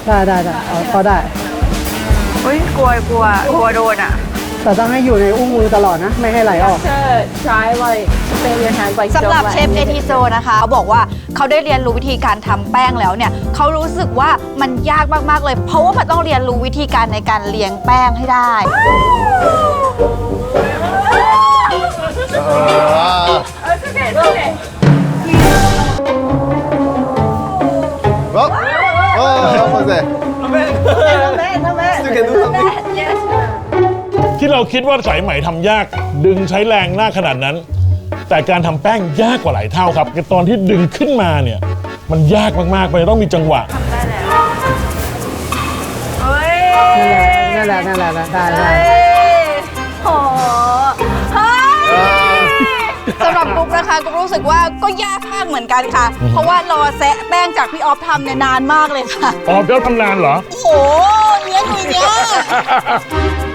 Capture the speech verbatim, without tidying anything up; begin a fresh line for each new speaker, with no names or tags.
ได้ได้ได้พอได้
อุ้ยกลัวกลัวกลัวโดนอ่ะ
แต่ต้องให้อยู่ในอุ้งมือตลอดนะไม่ให้ไหลออก
try like stay your hand like
สำหรับเชฟเอทิโซนะคะเขาบอกว่าเขาได้เรียนรู้วิธีการทำแป้งแล้วเนี่ยเขารู้สึกว่ามันยากมากๆเลยเพราะว่ามันต้องเรียนรู้วิธีการในการเลี้ยงแป้งให้ได้
ที่เราคิดว่าสายไหมทำยากดึงใช้แรงหน้าขนาดนั้น แต่การทำแป้งยากกว่าหลายเท่าครับตอนที่ดึงขึ้นมาเนี่ยมันยากมากๆมันต้องมีจังหวะ
นั่นแหละนั่นแหละนั่นแหละได้ได้
โอ้สำหรับกุ๊กนะคะกุ๊กรู้สึกว่าก็ยากมากเหมือนกันค่ะเพราะว่ารอแซะแป้งจากพี่ออฟทำเนี่ยนานมากเลยค่ะ
ออฟเดี๋ยวทำนานเหรอ
โอ้โหเนี้ยหนุ่ยเนี้ย